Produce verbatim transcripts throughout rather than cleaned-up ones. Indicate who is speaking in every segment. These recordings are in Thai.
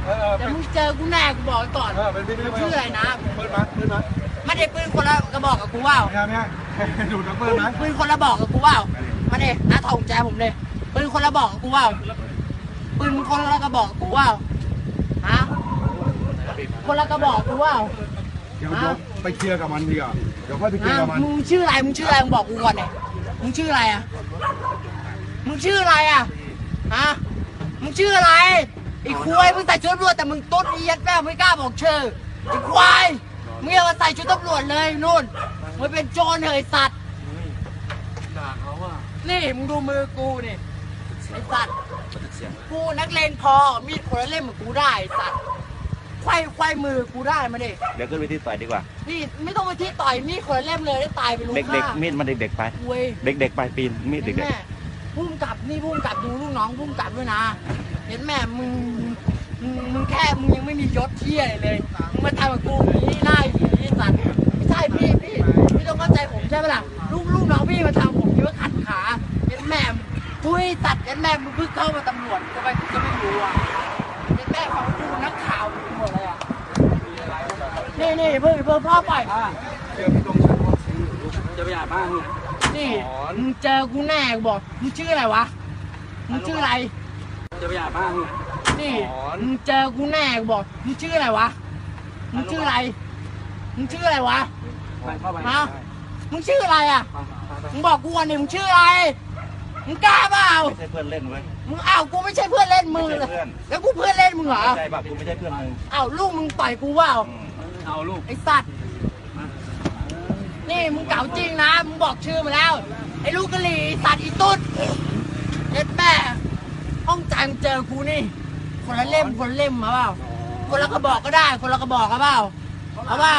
Speaker 1: แต่มึงเจอกูแน่กูบอกก่อนชื่ออะไรนะ
Speaker 2: ปืนมาปืนมา
Speaker 1: ไม่ได้ปืนคนละกระบอกกับกูว่า
Speaker 2: ไม่ไม่ไม่ดูดปืนนะ
Speaker 1: ปืนคนละบอกกับกูว่ามาเด็น้าทองแจผมเลยปืนคนละบอกกับกูว่าปืนคนละกระบอกกับกูว่าฮะคนละกระบอกกูว่า
Speaker 2: เดี๋ยวไปเคลียร์กับมันดีกว่าเดี๋ยวค่อยไปเคลียร์กับมัน
Speaker 1: มึงชื่ออะไรมึงชื่ออะไรมึงบอกกูก่อนเนี่ยมึงชื่ออะไรอ่ะมึงชื่ออะไรอ่ะฮะมึงชื่ออะไรไอ้ควายมึงใส่ชุดตำรวจแต่มึงตุ๊ดเอียดแม่ไม่กล้าบอกชื่อไอ้ควายมึงอย่ามาใส่ชุดตำรวจเลยนู่นมึงเป็นโจรเหยสัตว์ด่าเขาอ่ะนี่มึงดูมือกูนี่ไอ้สัตว์กูนักเลงพอมีดคนละเล่มเหมือนกูได้ไอ้สัตว์ควายควายมือกูได้มาดิ
Speaker 3: เดี๋ยวขึ้นไปที่ต่อยดีกว่า
Speaker 1: นี่ไม่ต้องไปที่ต่อยมีดคนละเล่มเลยได้ตายไปรู้
Speaker 3: ค่าเด็กๆมีดมันเด็กๆไปเด็กๆไปปีนมีดเด็ก
Speaker 1: ๆพุ่มกับนี่พุ่มกับดูลูกน้องพุ่มกับด้วยนะเห็นแม่มึงมึงมึงแค่มึงยังไม่มียศเที่ยเลยมึงมาทำกับกูอย่างนี้ได้อย่างนี้สัตว์ไม่ใช่พี่พี่พี่ต้องเข้าใจผมใช่ไหมล่ะลูกลูกน้องพี่มาทำผมคิดว่าขัดขาเห็นแม่ทุยตัดเห็นแม่มึงเพิ่งเข้ามาตำรวจก็ไปก็ไม่รู้อ่ะเห็นแม่ของกูนักข่าวหมดเลยอ่ะนี่นี่เพิ่งเพิ่งพ่อปล่อย
Speaker 4: จะไปหาบ้าน
Speaker 1: นี่มึงเจอกูแน่กูบอกมึงชื่ออะไรวะมึงชื่ออะไร
Speaker 4: จะไปหาบ้าน
Speaker 1: นี่มึงเจอกูแน่กูบอกมึงชื่ออะไรวะมึงชื่ออะไรมึงชื่ออะไรวะฮะมึงชื่ออะไรอ่ะมึงบอกกูก่อนดิมึงชื่ออะไรมึงกล้าเปล่า
Speaker 3: ไม่ใช่เพื่อนเล่นเว้ย
Speaker 1: มึงอ้าวกูไม่ใช่เพื่อนเล่นมึงเลยแล้วกูเพื่อนเล่นมึงเหรอ
Speaker 3: ใช่ป่ะกูไม่ใช่เพื่อนมึง
Speaker 1: อ้าวลูกมึงต่อยกูเปล่า
Speaker 4: เอาลูก
Speaker 1: ไอ้สัตว์นี่มึงเก่าจริงนะมึงบอกชื่อมาแล้วไอ้ลูกกะหรี่สัตว์อีตุ๊ดเด็ดแม่ห้องจังเจอกูนี่คนละเล่มคนละเล่มมาเปล่าคนละกระบอกก็ได้คนละกระบอกเอาเปล่าเอาเปล่า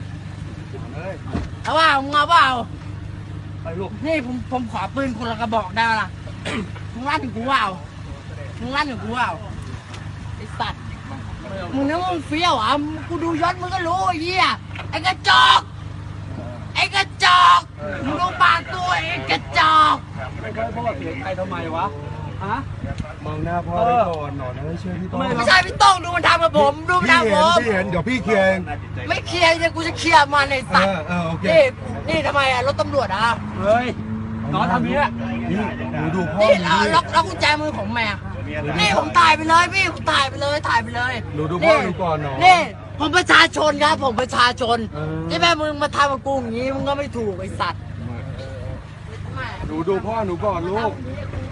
Speaker 1: เอาเปล่ามึงเอาเปล่านี่ผมผมขอปืนคนละกระบอกได้ล่ะมึงลั่นถึงกูเปล่ามึงลั่นถึงกูเปล่าไอ้สัตว์มึงนึกว่ามึงเฟี้ยวอ่ะกูดูยศมึงก็รู้ไอ้เหี้ยไอ้กระจอกไอ้กระจอกมึงดูปากตัวไอ้กระจอก
Speaker 4: ไม่เคยพ่อเสียใจทำไมวะฮะ
Speaker 2: มองหน้าพ่อได้ก่อนหนอนไม่เชื่อพี่ต้อง
Speaker 1: ไม่ใช่พี่ต้องดูมันทำกับผมดูมันทำผม
Speaker 2: พี่เห็นเดี๋ยวพี่เคลียร์
Speaker 1: ไม่เคลียร์จะกูจะเคลียร์มันในสัตว์นี่นี่ทำไมอ่ะรถตำรวจอ่ะ
Speaker 4: เฮ้ยน้องทำนี้อ่ะ
Speaker 2: นี่หนูดูพ่อ
Speaker 1: นี่ล็อกล็อกกุญแจมือของแม่นี่ผมถ่ายไปเลยพี่ผมถ่ายไปเลยถ่ายไปเลย
Speaker 2: หนูดูพ่อดูก่อนเนาะ
Speaker 1: นี่ผมประชาชนครับผมประชาชนที่แม่มึงมาทำกับกูอย่างนี้มึงก็ไม่ถูกไอ้สัตว์
Speaker 2: หนูดูพ่อหนูก่อนลูก